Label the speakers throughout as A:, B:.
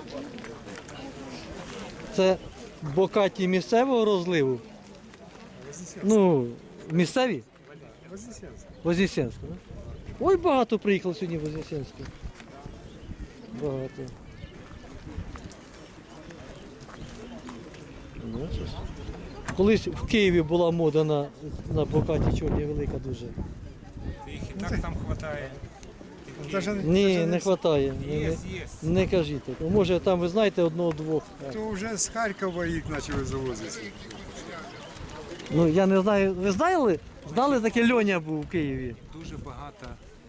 A: Це бокаті місцевого розливу? Ну, місцеві? Вознесенську, так? Ой, багато приїхало сьогодні в Вознесенську. Багато. Колись в Києві була мода на бокаті чорні велика дуже.
B: Їх і так там вистачає.
A: Ні, не вистачає.
B: Є.
A: Не кажіть так. Може там ви знаєте одного-двох.
C: То вже з Харкова їх почали завозити.
A: Ну я не знаю. Ви знали? Знали, таке Льоня був у Києві?
B: Дуже багато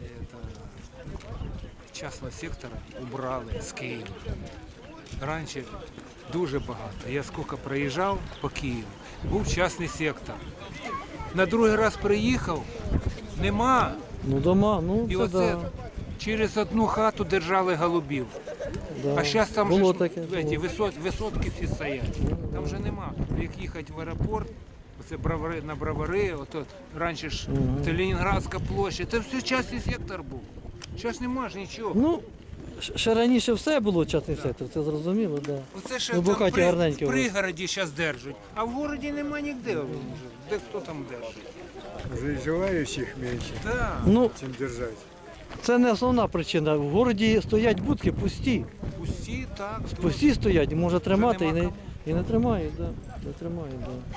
B: частного сектора убрали з Києва. Раніше дуже багато. Я скільки проїжджав по Києву, був частний сектор. На другий раз приїхав, нема.
A: Ну дома, ну
B: І
A: це
B: оце
A: да.
B: через одну хату держали голубів.
A: Да.
B: А зараз там
A: було
B: же
A: таке.
B: ці
A: Було.
B: висотки всі стоять. Там вже нема. Як їхати в аеропорт, оце бровари, на бровари, ото раніше ж це Ленінградська площа, це все частний сектор був. Зараз нема ж нічого.
A: Ну, ще раніше все було частний сектор, це зрозуміло, так. Да.
B: Оце ще
A: Ну,
B: там
A: Бокаті гарненькі
B: в
A: у вас.
B: пригороді зараз держать, а в городі нема ніде. Де хто там держить?
C: Вже і желаючих менше,
B: Так.
A: Ну,
C: чим держати.
A: це не основна причина. В городі стоять будки пусті.
B: Усі так.
A: Пусті стоять, може тримати
B: нема
A: і не тримають, да. Не тримають, да.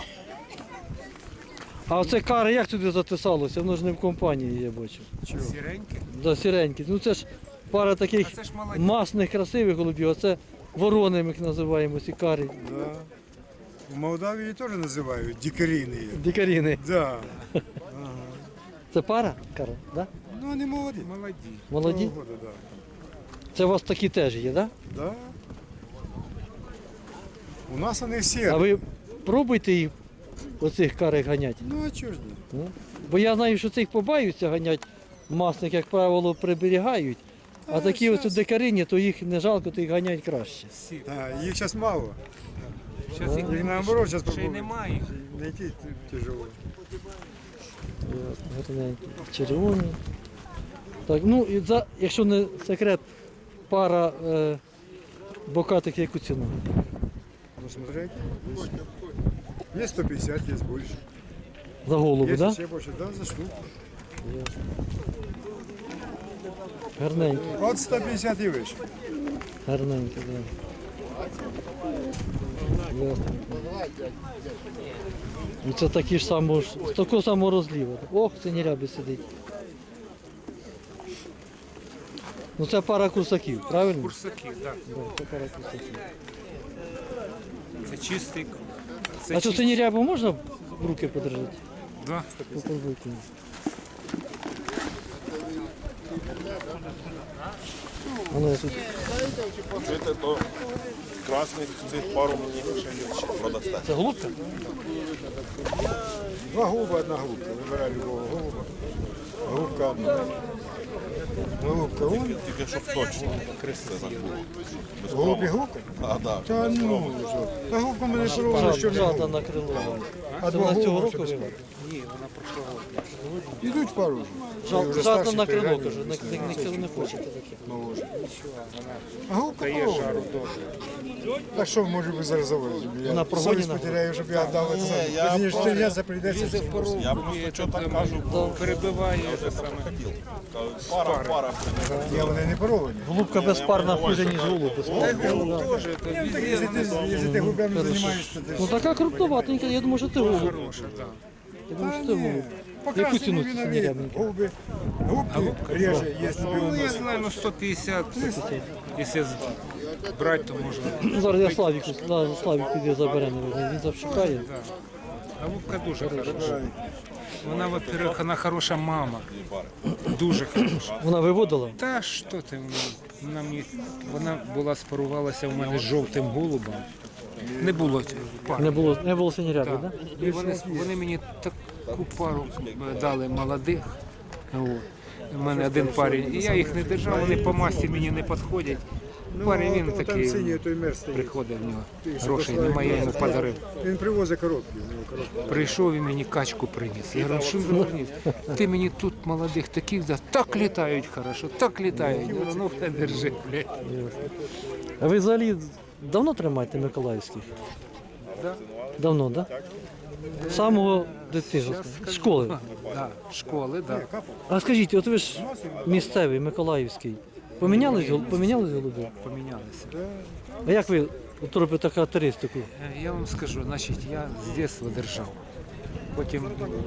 A: А оце кари як сюди затисалося? Воно ж не в компанії, я бачу.
B: Сіренькі.
A: Да, сіренькі. Ну це ж пара таких
B: А це ж молоді.
A: масних, красивих голубів, а це ворони, ми їх називаємо, ці кари.
C: Да. В Молдавії теж називають дикаріни.
A: Дикаріни.
C: Да.
A: Це пара кара, да?
C: Ну вони молоді.
B: Молоді.
A: Молоді?
C: Того года, да.
A: Це у вас такі теж є, да?
C: Да. У нас вони всі.
A: А ви пробуйте їх оцих карих ганяти.
C: Ну а чого ж ні?
A: Ну. Бо я знаю, що цих побаються ганять, масних, як правило, приберігають. А такі ось дикарині, то їх не жалко, то їх ганять краще.
B: Всі.
C: А, їх зараз мало.
B: Зараз їх
C: Їх наоборот зараз
B: ще й немає їх.
C: Знайти тяжело.
A: Гарненькі, червоні. Так, ну і якщо не секрет, пара бокатих яку ціну?
C: Ну смотрите. Есть 150, есть больше.
A: За голову,
C: Есть
A: так?
C: еще больше, да, за штуку.
A: Гарненькі,
C: От 150 и выше.
A: гарненькі, так. Ясно. І це такі ж самого, з такого самого розліва. Ох, синірябі сидить. Ну це пара курсаків, правильно?
B: Курсаки, так.
A: Да, це пара курсаків.
B: Це чистий.
A: А що синірябу можна в руки подержати?
B: Да.
A: Попробуйте. А ну я тут.
D: Жити то красних цих пару мені ще продасте.
A: Це голубка?
C: Два голуба, одна голубка. Выбирай любого голуба. Голубка одна. Голубка он.
D: Тільки щоб точно.
C: Голуб і голубка?
D: А, да.
C: Та ну, що. Та голубка мене порвала, що не
A: Жата
C: голуб.
A: на крило.
C: А
A: Це
C: два
A: вона цього
C: голуба,
A: року
C: що
A: вивела?
C: безплатно.
B: Ні, вона прошлого року.
C: Ідуть пару вже. Вже
A: Жата
C: старші
A: на крило,
C: переганяють,
A: каже,
C: вже
A: ніхто не хоче таке.
C: моложе. А голубка
B: Дає
C: порвала.
B: жару добре.
C: Так що, може би зараз завозимо?
A: Вона прогонена.
C: Совість потеряю, щоб я віддав це.
D: я
C: Мені ж
D: просто-
C: стріляти прийдеться.
B: Лізе в пору,
D: Я просто що так кажу, бо
B: перебиває те саме.
D: хотів. Пара.
C: Ні, вони не порвані.
A: Голубка безпарна хуже, ніж голуб. безпарна.
B: Теж, то
C: Якщо ти голубями займаєшся, ти
A: Ну така крупноватенька, я думаю, що ти голуб.
B: хороша, так.
A: Я думаю, що ти голуб. Яку ціну ці синірябники?
C: Голуби, голубки реже, є
B: Ну, я знаю, ну 150, якщо брати, то можна.
A: Ну, зараз я Славіку, Славік піде забере, наверное, він завшукає.
B: А Лубка дуже хороша. Вона, во-первых, вона хороша мама. Дуже хороша.
A: Вона виводила?
B: Та що ти, вона була спарувалася в мене з жовтим голубом. Не було пари.
A: Не було синіряби, так?
B: І вони мені таку пару дали молодих. От. У мене один парень, і я їх не держав, вони по масі мені не підходять. Парень він
C: там
B: такий
C: синій той мер стоїть.
B: приходить в нього.
C: Ти що,
B: Грошей
C: послав
B: немає, я йому
C: мер?
B: подарив.
C: Він привозить коробки, у нього коробки.
B: Прийшов і мені качку приніс. Я говорю, що він приніс? Ти мені тут молодих таких, да, так літають хорошо, так літають. Я говорю, ну все, держи, блядь.
A: А ви взагалі давно тримаєте Миколаївських?
B: Да.
A: Давно, так? Да? З самого дитинства? З школи.
B: Да, школи, да.
A: А скажіть, от ви ж місцевий, Миколаївський. Помінялись голуби?
B: Помінялися.
A: А як ви от робите характеристику?
B: Я вам скажу, значить, я з дитинства держав. Потім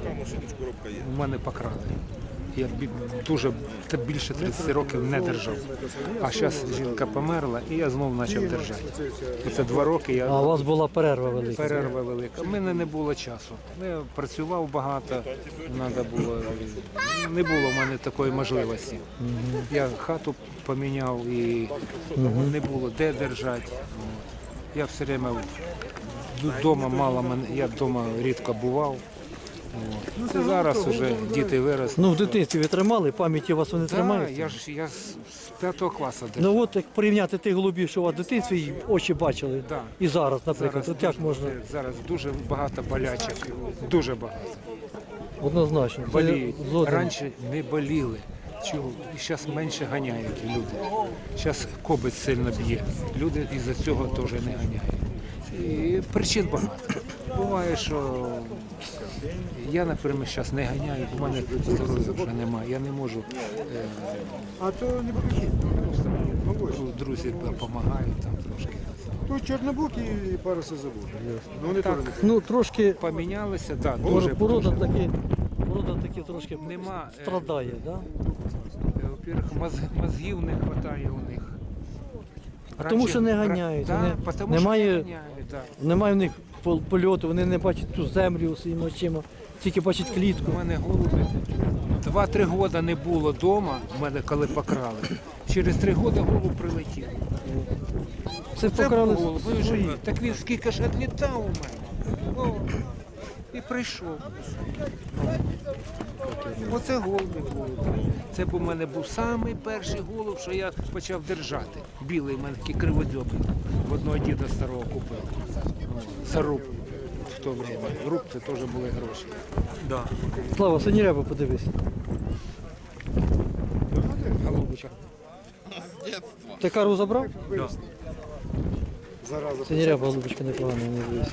B: у мене покрали. Я дуже більше 30 років не держав. А зараз жінка померла і я знову почав держати. Це 2 роки я
A: А у вас була перерва велика.
B: перерва велика. У мене не було часу. Я працював багато, треба було. Не було в мене такої можливості. Я хату поміняв і не було де держати. От. Я все время вдома мало я вдома рідко бував. От. Це зараз вже діти виросли.
A: Ну в дитинстві ви тримали, пам'яті у вас вони
B: Да,
A: тримаються?
B: я з 5 класу держав.
A: Ну от як порівняти тих голубів, що у вас в дитинстві і очі бачили,
B: Да.
A: і зараз, наприклад, от як можна?
B: Зараз дуже багато дуже багато.
A: Однозначно. Це
B: Боліють.
A: згоден.
B: Раніше не боліли. Чого? І зараз менше ганяють люди. Зараз кобець сильно б'є. Люди із-за цього теж не ганяють. І причин багато. Буває, що я, наприклад, зараз не ганяю, бо в мене здоров'я вже немає. Я не можу.
C: А то не покажіть.
B: Просто мені друзі допомагають там трошки.
C: Тут чорнобук і пара сизобук. Ну вони теж не
A: Ну трошки
B: Помінялися, так, да, дуже.
A: порода таки трошки
B: Нема,
A: страдає, да?
B: Во-первых, мозгів не вистачає у них.
A: Тому що не ганяють,
B: Да,
A: вони-
B: тому
A: немає-
B: що не ганяють, да.
A: Немає в них польоту, вони не бачать ту землю своїми очима, тільки бачать клітку.
B: У мене голуби 2-3 роки не було вдома, в мене коли покрали. Через 3 роки голуб прилетів.
A: Це
B: Це
A: покрали
B: був голуб. Ви
A: свої.
B: ж- Так він скільки ж відлітав у мене. О, і прийшов. Оце голуби були. Це у мене був самий перший голуб, що я почав держати. Білий, в мене такий криводзьобий. В одного діда старого купив. Саруб в то время. Руб це теж були гроші. Да.
A: Слава, синіряба подивись.
B: Голубчик.
A: Ти кару забрав?
C: зараза.
A: Синіряба голубочка непогана, не дивись.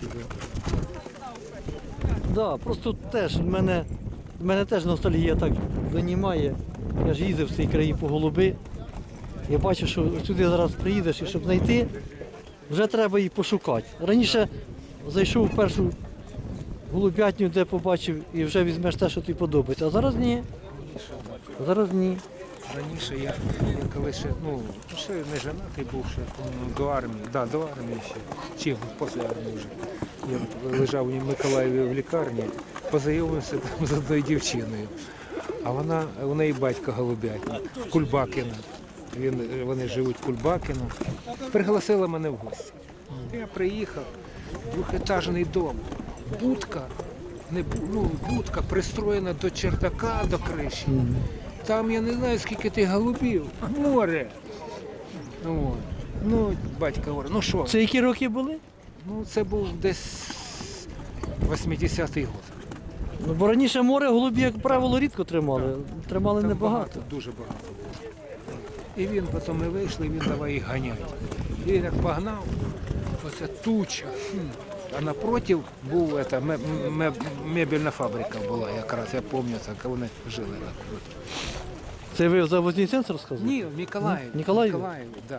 A: Да, просто теж в мене теж ностальгія так займає. Я ж їздив в цей краї по голуби. Я бачу, що сюди зараз приїдеш і щоб знайти, вже треба її пошукати. Раніше зайшов в першу голубятню, де побачив, і вже візьмеш те, що тобі подобається. А зараз ні. Зараз ні.
B: Раніше я коли ще, ще не женатий був ще до армії, до армії ще, чи після армії вже. Я лежав у Миколаєві в лікарні, познайомився там з одною дівчиною. А у неї батько голубятник, Кульбакіна. Вони живуть в Кульбакіно. Пригласила мене в гості. Я приїхав, двохетажний дом, будка, будка пристроєна до чердака, до криші. Там я не знаю, скільки тих голубів. Море. Батько говорить, ну що?
A: Це які роки були?
B: Це був десь 80-й год.
A: Ну, бо раніше море голубі, як правило, рідко тримали. Тримали
B: Там
A: небагато.
B: Дуже багато. І він потім ми вийшли, і він давай їх ганяти. І він як погнав, оце туча. А напротив був мебельна фабрика була якраз, я пам'ятаю, як вони жили напроти.
A: Це ви за Вознесенськ розказували?
B: Ні, в Миколаєві.
A: Миколаєві?
B: Да.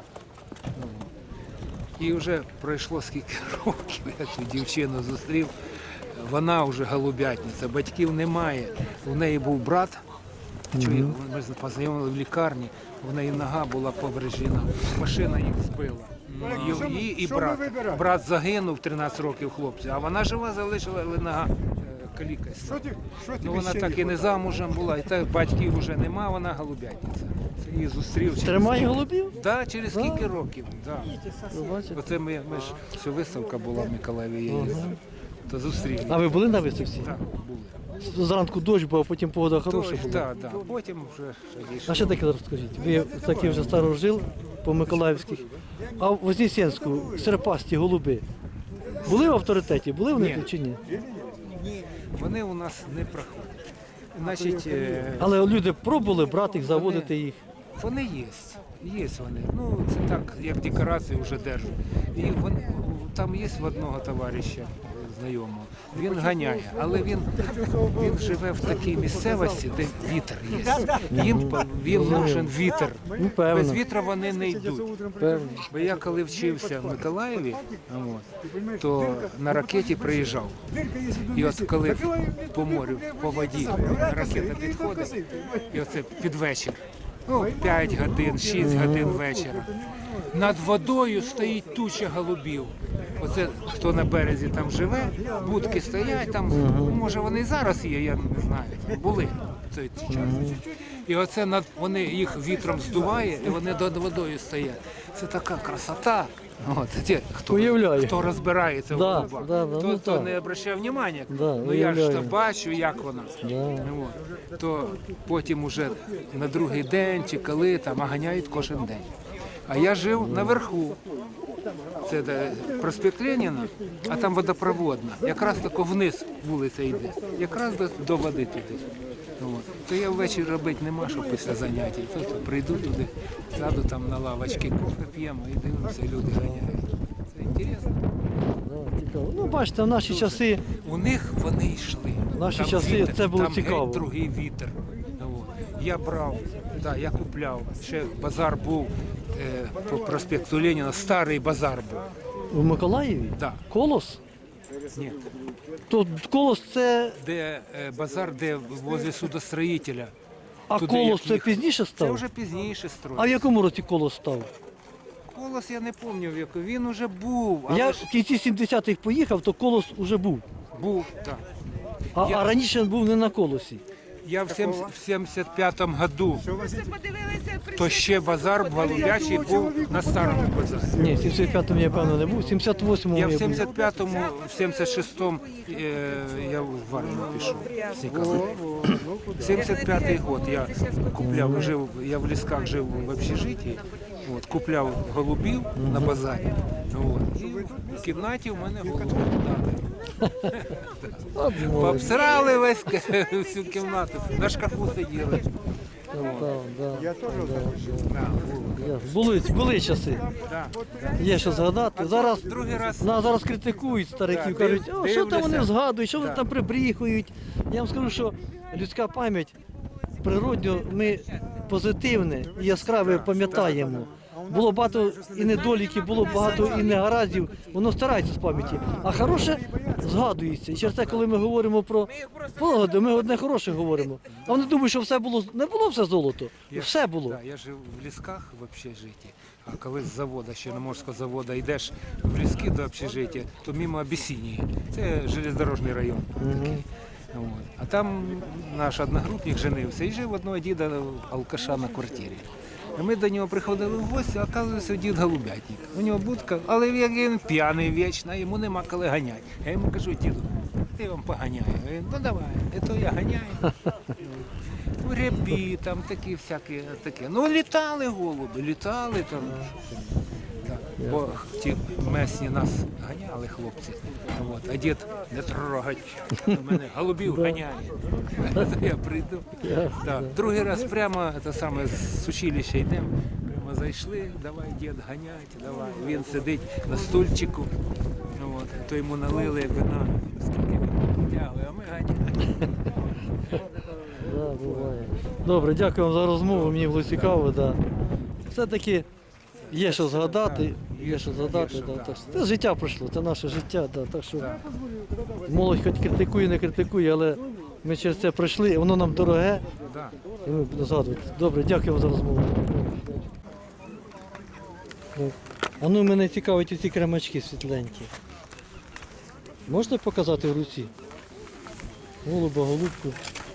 B: І вже пройшло скільки років, я цю дівчину зустрів. Вона вже голубятниця, батьків немає. У неї був брат, ми познайомили в лікарні, в неї нога була поврежена, машина їх збила. Її і брат. Брат загинув 13 років хлопця, а вона жива залишила, але нога калікась. Вона так і не замужем була, і так батьків вже нема, вона голубятниця. Це її зустрів.
A: Тримає голубів?
B: Так, через скільки років. Да.
A: Ви бачите?
B: Оце ми ж, ця виставка була в Миколаєві, я їздив. То зустріли.
A: А ви були на виставці?
B: Так, були.
A: зранку дощ був, а потім погода хороша
B: Тож,
A: була.
B: да, да. Потім вже
A: А ще таке розкажіть. Ви такі вже старожил по Миколаївських. А в Вознесенську серпасті голуби були в авторитеті? Були вони
B: Ні.
A: тут чи ні?
B: вони у нас не проходять. Значить,
A: Але люди пробували брати їх, заводити їх.
B: вони є. Є вони. Ну, це так, як декорації вже держать. І вони, там є в одного товариша знайомого. Він ганяє, але він живе в такій місцевості, де вітер є. Їм нужен вітер.
A: Ну, певно.
B: Без вітра вони не йдуть.
A: Певно.
B: Бо я коли вчився в Миколаєві, то на ракеті приїжджав. І от коли по морю, по воді ракета підходить, і оце під вечір, 5 годин, 6 годин вечора, над водою стоїть туча голубів. Оце хто на березі там живе, будки стоять там, може вони і зараз є, я не знаю, були в той час. І оце вони їх вітром здуває, і вони над водою стоять. Це така красота. От,
A: Уявляю.
B: хто розбирається в
A: Да,
B: голубах,
A: да, да,
B: хто,
A: ну
B: хто
A: так.
B: не обращає уваги,
A: Да,
B: ну я ж то
A: уявляю.
B: бачу, як вона.
A: Да.
B: То потім уже на другий день чи коли там ганяють кожен день. А я жив наверху. Це де проспект Леніна, а там водопроводна. Якраз тако вниз вулиця йде. Якраз до води туди. То я ввечері робити нема, що після заняття. То прийду туди, сяду там на лавочці, кофе п'ємо і дивимося, люди ганяють. Це інтересно.
A: Да, цікаво. Ну, бачите, в наші часи
B: У них вони йшли.
A: В наші
B: Там
A: часи це було
B: там
A: цікаво.
B: геть другий вітер. Я брав, да, я купляв. Ще базар був по проспекту Леніна, старий базар був.
A: у Миколаєві
B: Да.
A: колос.
B: Ні.
A: То колос це,
B: Де базар, де возле судостроїтеля.
A: а
B: Туди,
A: колос
B: як
A: це
B: їх-
A: пізніше
B: Це
A: став?
B: вже пізніше
A: А в
B: строїли.
A: якому році колос став?
B: Колос я не пам'ятаю, в якому. Він уже був, але
A: Я
B: ж
A: в кінці 70-х поїхав, то колос уже був.
B: був, так.
A: А раніше він був не на колосі.
B: Я в 75-му году, то ще базар голубячий був на старому базарі.
A: Ні, в 75-му я певно не був, в 78-му
B: Я в
A: я був.
B: 75-му, в 76-му я в армію пішов. з Ніколаєва. 75-й год я купляв, я в лісках жив в общежитті, купляв голубів на базарі. І в кімнаті в мене голуби.
A: От молодець.
B: Пообсирали всю кімнату, на шкафу сиділи.
A: Да.
B: Да, було.
A: Були часи.
B: Да.
A: Є що згадати. Зараз
B: Другий раз
A: нас зараз критикують стариків,
B: Да,
A: кажуть, о, що там вони
B: дивлюся.
A: згадують, що вони
B: Да.
A: там прибріхують. Я вам скажу, що людська пам'ять природньо, ми позитивне і яскраве пам'ятаємо. Було багато і недоліків, було багато і негараздів, воно старається з пам'яті. А хороше згадується. І через те, коли ми говоримо про погоду, ми одне хороше говоримо. А вони думають, що все було, не було все золото, все було.
B: Да, я жив в лісках в общежитті, а коли з заводу, ще Чорноморського заводу, йдеш в ліски до общежиття, то мимо Абісінії. Це железнодорожний район. Такий. А там наш одногрупник женився і жив одного діда алкаша на квартирі. А ми до нього приходили в гості, а оказується, дід голубятник. У нього будка, але він п'яний вічно, йому нема коли ганяти. Я йому кажу, діду, ти вам поганяю. Він, ну давай, то я ганяю. Рябі, там такі всякі такі. Ну літали голуби, літали там. Так. Бо ті месні нас ганяли, хлопці. А дід не трогать. У мене голубів ганяє. Я прийду. Так. Другий раз прямо це саме з училища йдемо. Прямо зайшли, давай, дід, ганять, давай. Він сидить на стульчику. То йому налили вина, скільки він тягує, а ми ганяємо.
A: Да, буває. Добре, дякую вам за розмову, мені було цікаво. Да. Все-таки є що згадати, є що згадати. Да. Так, це життя пройшло, це наше життя. Да. Так що молодь хоч критикує, не критикує, але ми через це пройшли, і воно нам дороге,
B: Да.
A: і ми будемо згадувати. Добре, дякую вам за розмову. А ну мене цікавить оці кремачки світленькі. Можете показати в руці? Голуба, голубку.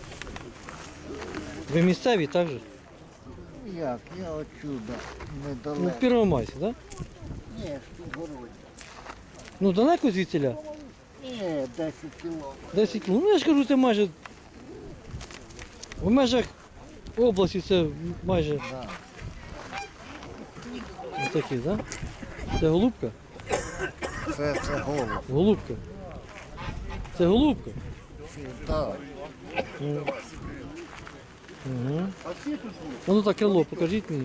A: Ви місцеві, так же?
E: Як? Я отсюда,
A: Ну, в
E: недалеко.
A: Первомайську, так?
E: Ні, ж в городі.
A: Ну, далеко звідсіля?
E: Ні, 10 кілометрів.
A: 10 км. Ну, я ж кажу, це майже В межах області це майже
E: Да.
A: ось такі, так? Да? Це голубка?
E: Це голуб.
A: Голубка. Це голубка?
E: Так.
A: Угу. Ну так крило, покажіть мені.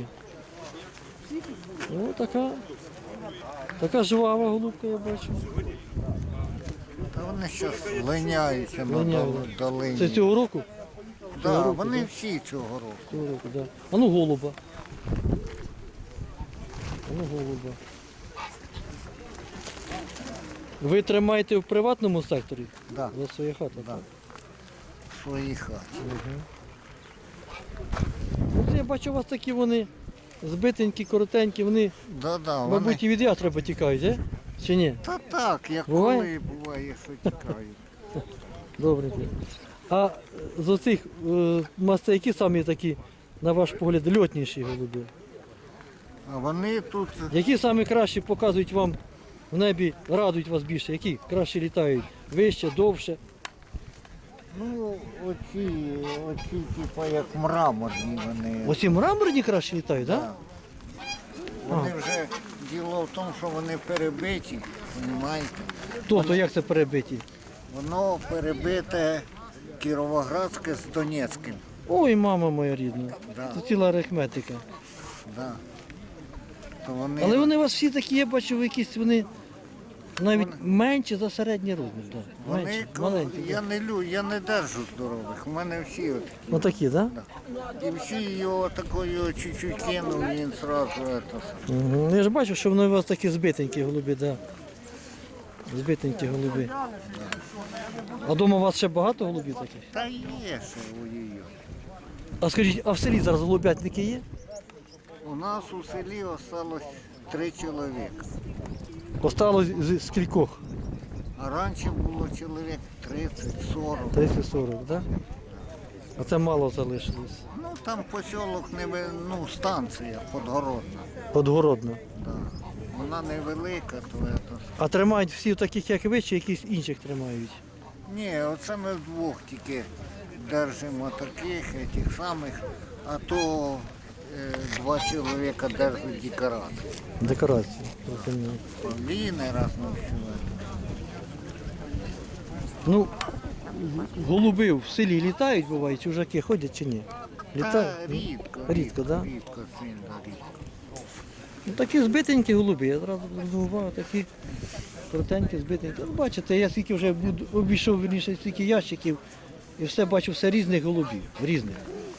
A: О, така жвава голубка, я бачу.
E: Та вони зараз линяються на
A: Линяють,
E: долині.
A: Це цього року?
E: Да,
A: цього року,
E: вони
A: да?
E: всі цього року.
A: Цього року, так. Да. А ну голуба. А ну голуба. Ви тримаєте в приватному секторі?
E: Да.
A: За своя хата?
E: Да.
A: Так?
E: В своїй хаті.
A: От я бачу, у вас такі вони збитенькі, коротенькі, вони,
E: Да, вони...
A: мабуть, і від ястреба тікають, а? Чи ні?
E: Та так, як
A: Буває?
E: коли буває, що тікають.
A: Добре. А з оцих мастей, які самі такі, на ваш погляд, льотніші голуби?
E: А вони тут,
A: Які самі кращі показують вам в небі, радують вас більше? Які краще літають? Вище, довше?
E: ну, оці типу, як мраморні вони.
A: Оці мраморні краще літають, так?
E: Да. Вони вже, діло в тому, що вони перебиті, розумієте?
A: Тобто, як це перебиті?
E: Воно перебите Кіровоградське з Донецьким.
A: Ой, мама моя рідна.
E: Да.
A: Це ціла арифметика.
E: Да. То вони,
A: Але вони у вас всі такі, я бачу, якісь вони навіть менші за середній розмір. Да.
E: вони
A: Менші, маленькі.
E: я не держу здорових, у мене всі от.
A: Отакі, так?
E: І всі його такою чуть-чуть кинув, і він одразу це.
A: Угу. Я ж бачу, що вони у вас такі збитенькі голуби, так. Да. Збитенькі голуби. А вдома у вас ще багато голубів таких?
E: Та є ще у її.
A: А скажіть, а в селі зараз голубятники є?
E: У нас у селі осталось 3 чоловіка.
A: Осталось з кількох?
E: А раніше було чоловік 30-40.
A: 30-40, так? Да? А це мало залишилось.
E: Ну там посілок ну, станція Подгородна.
A: Подгородно.
E: Да. Вона невелика, то це.
A: А тримають всі таких, як ви, чи якісь інших тримають?
E: Ні, оце ми вдвох тільки держимо таких, тих самих, а то 2 чоловіка держать декорації.
A: Декорації. Розумію.
E: Павліни раз на всю.
A: Ну, голуби в селі літають, бувають, чужаки ходять чи ні?
E: Та
A: Літають?
E: рідко,
A: Рідко, да?
E: Рідко, сильно рідко.
A: Ну, такі збитенькі голуби, я одразу зрозумів, такі коротенькі, збитенькі. Ну, бачите, я скільки вже обійшов, верніше, стільки ящиків, і все бачу, все різних голубів, різних.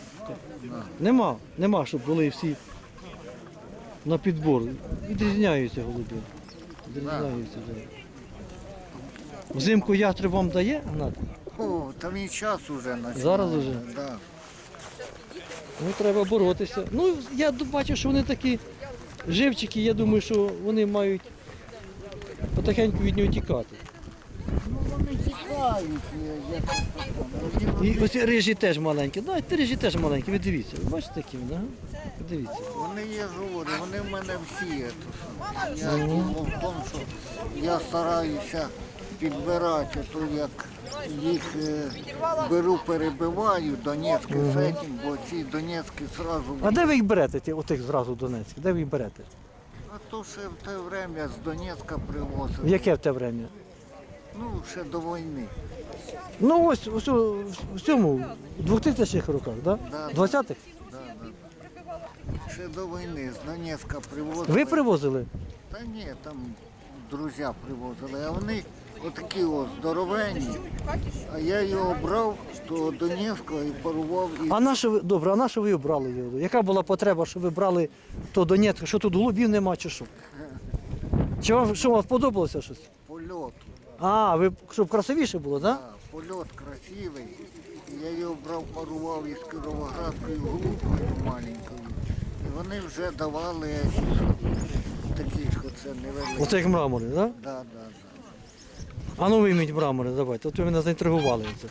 A: Нема, щоб були всі на підбор. Відрізняються голуби. Відрізняються, так. Взимку ястреб вам дає, Гнат?
E: О, там і час уже починає.
A: Зараз уже?
E: Да.
A: Ну, треба боротися. Ну, я бачу, що вони такі живчики, я думаю, що вони мають потихеньку від нього тікати.
E: Ну вони тікають, як це.
A: І ось рижі теж маленькі. Ну, ті рижі теж маленькі, ви дивіться. Ви бачите такі вони, ага? Ви дивіться.
E: Вони є говорю, вони в мене всі. Я діло в тому, що я стараюся підбирати, то як їх беру, перебиваю, Донецьке з цим, бо ці Донецькі одразу.
A: А де ви їх берете, отих зразу Донецьких? Де ви їх берете?
E: А то ще в те время з Донецька привозили.
A: В яке в те время?
E: Ну, ще до війни.
A: Ну ось в цьому, в 2000-х роках, да?
E: Да.
A: 20-х?
E: Да, да. Ще до війни з Донецька привозили.
A: Ви привозили?
E: Та ні, там друзі привозили, а вони отакі ось здоровенні. А я його брав до Донецького і парував. І...
A: А на що ви, добре, а на що ви обрали його? Яка була потреба, що ви брали то Донецьк? Що тут голубів нема чи що? Чи вам, що вам сподобалося щось?
E: Польот.
A: А, ви, щоб красивіше було, так? Да?
E: Да, польот красивий. І я його брав, парував із Кіровоградською голубкою маленькою. І вони вже давали такі ж оце невеликі.
A: Оце як мрамори, так? Да?
E: Да, да, да.
A: А ну вийміть мрамори, давайте, от ви мене заінтригували. Це.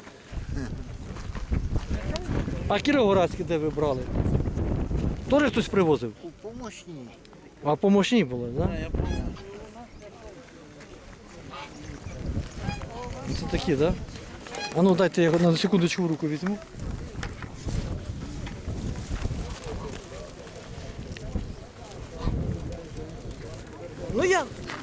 A: А Кіровоградські де ви брали? Теж хтось привозив?
E: У помощній.
A: А помощні були, так? Да? Це такі, так? Да? А ну дайте я його на секундочку в руку візьму.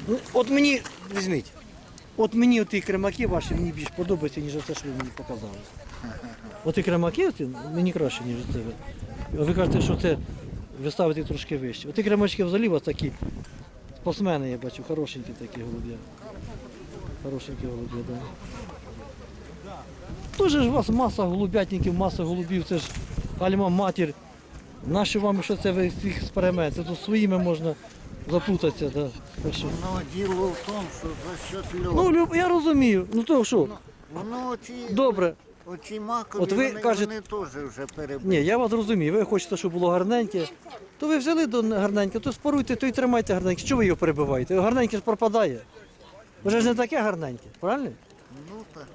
A: Ну, от мені, візьміть, от мені оті кремаки ваші мені більш подобаються, ніж те, що ви мені показали. Оті кремаки оті, мені краще, ніж це. А ви кажете, що це ви ставите трошки вище. Оті кремачки взагалі у вас такі спортсмени, я бачу, хорошенькі такі голуб'я. Хорошенькі голуб'я, так. Да. Тоже ж у вас маса голубятників, маса голубів, це ж альма-матір. Нащо вам що це весь цих експеримент? Це тут своїми можна заплутатися. Да. Так що.
E: Ну, діло в тому, що за счет льоду.
A: Ну, я розумію. Ну то що?
E: Воно оці,
A: Добре.
E: оці макові,
A: От ви
E: вони,
A: кажете-
E: вони теж вже перебили.
A: Ні, я вас розумію. Ви хочете, щоб було гарненьке. То ви взяли до гарненьке, то споруйте, то й тримайте гарненьке. Що ви його перебиваєте? Гарненьке ж пропадає. Вже ж не таке гарненьке, правильно?
E: Ну так.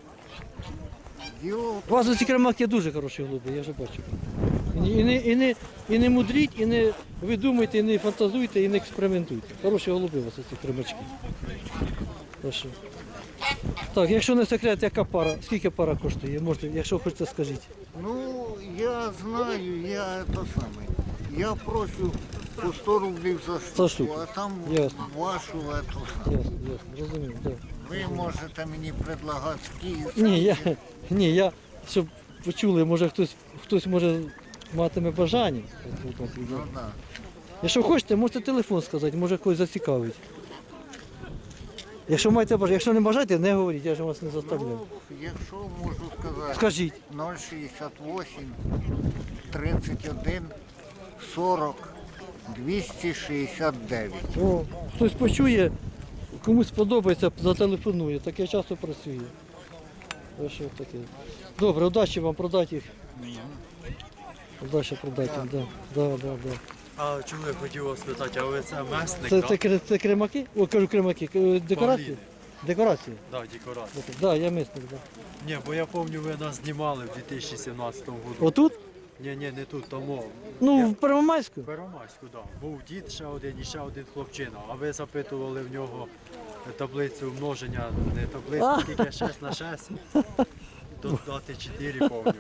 E: Діло в
A: У вас ці кремаки дуже хороші голуби, я вже бачу. І не мудріть, і не видумуйте, і не фантазуйте, і не експериментуйте. Хороші голуби у вас ці кремачки. Хорошо. Так, якщо не секрет, яка пара, скільки пара коштує? Можете, якщо хочете, скажіть.
E: Ну, я знаю, я то саме. Я прошу по 100 рублів за штуку,
A: штуку.
E: а там
A: Ясно.
E: вашу ету саме.
A: Ясно, розумію, так.
E: Ви можете мені предлагати Київ.
A: Ні, я, щоб почули, може хтось може матиме бажання.
E: Ну, да.
A: Якщо хочете, можете телефон сказати, може когось зацікавить. Якщо маєте бажання, якщо не бажаєте, не говоріть, я ж вас не заставляю.
E: Ну, якщо можу сказати,
A: Скажіть.
E: 068 31 40 269.
A: О, хтось почує, комусь сподобається, зателефонує. Таке часто працює. Ось що таке. Добре, удачі вам продати їх. Удачі продати їх, да.
F: А чоловік хотів вас питати, а ви це месник,
A: Це кремаки? О, кажу кремаки. Декорації?
F: Павліни.
A: Декорації?
F: Так, декорація.
A: Так, да, я мисник, да.
F: Ні, бо я пам'ятаю, ви нас знімали в 2017 році.
A: Отут?
F: Ні, не тут, тому.
A: Ну, в Первомайську?
F: В Первомайську, так. Був дід ще один і ще один хлопчина. А ви запитували в нього таблицю множення, не таблицю, скільки 6 на 6. Додати 4, пам'ятаю.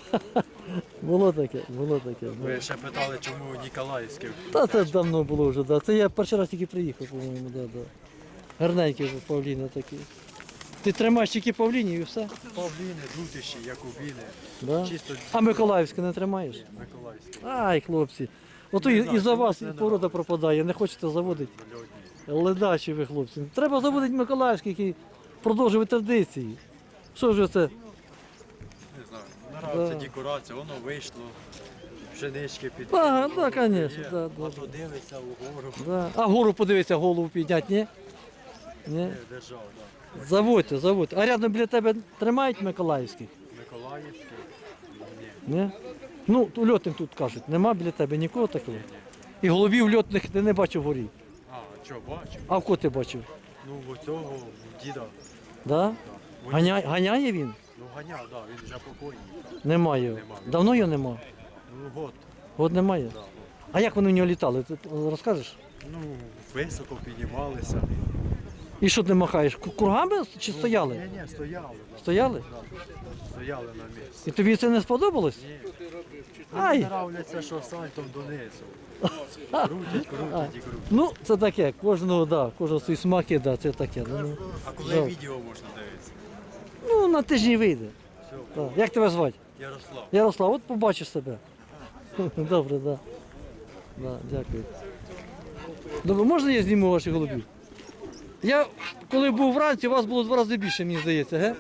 A: Було таке.
F: Ви ще питали, чому Ніколаївський.
A: Та це давно було вже, да. Це я перший раз тільки приїхав, по-моєму, да. Гарненькі вже павліни такі. Ти тримаєш тільки павлінів і все?
F: Павліни, дутиші, якубіни.
A: Да.
F: Чисто
A: А Миколаївське не тримаєш?
F: Миколаївський.
A: Ай, хлопці. Ото і за вас і порода пропадає, не хочете заводити. Ледачі ви, хлопці. Треба заводити Миколаївський, який продовжує традиції. Що ж це?
F: Не знаю, нравиться декорація, воно вийшло, пшенички під.
A: Ага, да, конечно,
F: Є,
A: да.
F: А то дивиться вгору.
A: Да. А гору подивися, голову підняти, ні? Ні?
F: Держав, так.
A: Заводьте. А рядом біля тебе тримають Миколаївських?
F: Миколаївський.
A: Ні? Ну, льотних тут кажуть, нема біля тебе нікого такого? І голубів льотних ти не бачив вгорі.
F: А, що, бачив?
A: А в кого ти бачив?
F: Ну, в цього, в діда.
A: Да? Ганяє він?
F: Ну, ганяв, так, він вже покойний.
A: Немає його.
F: Нема.
A: Давно його нема?
F: Ну, год.
A: От немає.
F: Да.
A: А як вони в нього літали? Ти розкажеш?
F: Ну, високо піднімалися.
A: І що ти махаєш? Кургами чи стояли?
F: Ні, стояли. Да.
A: Стояли?
F: Стояли на місці.
A: І тобі це не сподобалось?
F: Мені
A: Ай!
F: нравляться, що сальтом донизу. Крутять і крутять.
A: Ну, це таке, кожного свої смаки, да, це таке. Ну,
F: А коли
A: жалко.
F: відео можна дивитися?
A: ну, на тижні вийде.
F: Все,
A: Так. Як тебе звати?
F: Ярослав.
A: Ярослав, от побачиш себе. Добре, так. Да, дякую. Добре, можна я зніму ваших голубів? Я, коли був вранці, у вас було 2 рази більше, мені здається, ге?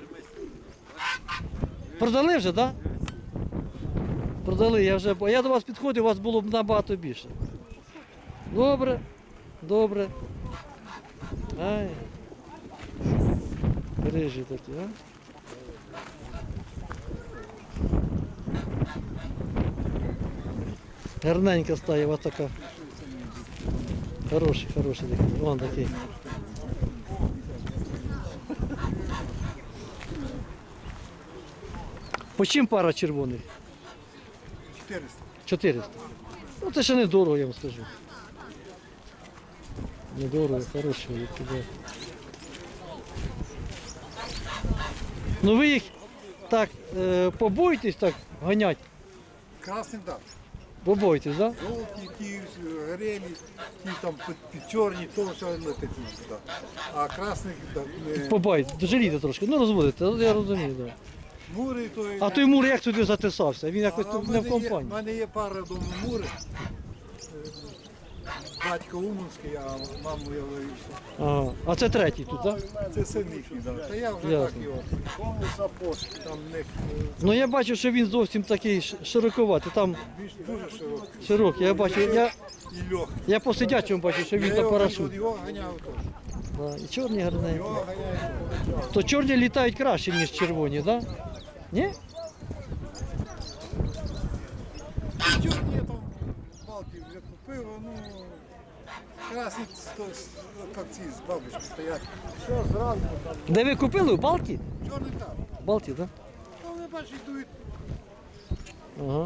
A: Продали вже, так? Да? Продали, я до вас підходив, у вас було б набагато більше. Добре. Ай. Рижі такі, а? Гарненька стає, ось така. Хороший такий. Вон такий. По чим пара червоних?
C: 400.
A: 400. Ну це ще не дорого, я вам скажу. Недорого, хороші. Да. Ну ви їх так побоїтесь так ганять?
C: Красний, так.
A: Побойтесь, так? Да?
C: Жовті, ті горелі, ті там під чорні, то все летить туди. А красних так не...
A: Побайте, жалійте трошки, ну розводите, я розумію, так. Да.
C: Мури, то...
A: А той мур як туди затисався? Він якось
C: А
A: тут
C: в
A: не в
C: мене є-
A: компанії.
C: в мене є пара вдома мури. Батько Уманський, а маму я вивівся.
A: Ага. А це третій тут, так? Да?
C: Це син їхній, да. Та я вже
A: Ясно.
C: так його. Кому сапог, там в них
A: Ну я бачу, що він зовсім такий широковатий, там
C: більш дуже широкий.
A: широкий. Я бачу,
C: І легкий.
A: я по сидячому бачу, що він
C: Я
A: та
C: його
A: парашут.
C: його ганяв теж.
A: Да. І чорні гарненькі.
C: Його ганяв.
A: То чорні літають краще, ніж червоні, так? Да? Ні?
C: Чорні я там балки вже купив, ну красні, як ці з бабочки стоять. Все, зранку там.
A: Де ви купили? У Балті?
C: Чорний там.
A: Балті, так?
C: Ну, вони бачать, дають,
A: Ага.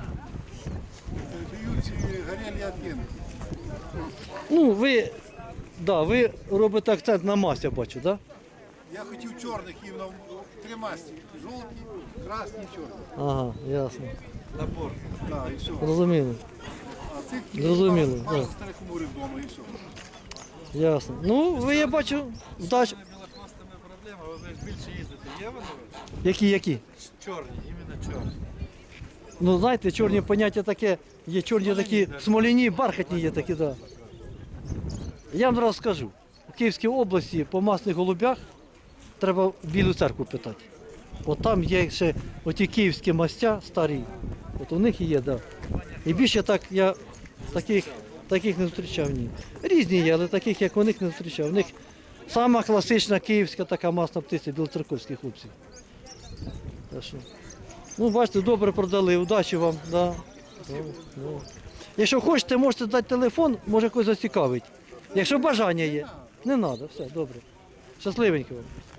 C: дають ці горілі оттінки.
A: Ну, ви робите акцент на мазь, я бачу, так? Да?
C: Я хотів чорних іменно три масті. Жовті, красні, чорні.
A: Ага, ясно.
C: Набор. Так, і все.
A: Зрозуміло.
C: А цих
A: Зрозуміло,
C: пару
A: так.
C: старих мурів вдома і все.
A: Ясно. Ну, ви, я бачу, вдач.
F: Білохвостами проблема, ви ж більше їздите. Є вони?
A: Які?
F: Чорні, іменно чорні.
A: Ну, знаєте, чорні поняття таке, є чорні такі смоляні, бархатні є такі, так. Да. Я вам зараз скажу, у Київській області по масних голубях треба в Білу церкву питати. От там є ще оті київські мастя старі, от у них і є, так. Да. І більше так я таких не зустрічав, ні. Різні є, але таких, як у них, не зустрічав. У них сама класична київська така масна птиця, білоцерковські хлопці. Так що, ну, бачите, добре продали, удачі вам. Да. Ну. Якщо хочете, можете дати телефон, може когось зацікавить. Якщо бажання є. Не треба, все, добре. Щасливенько вам.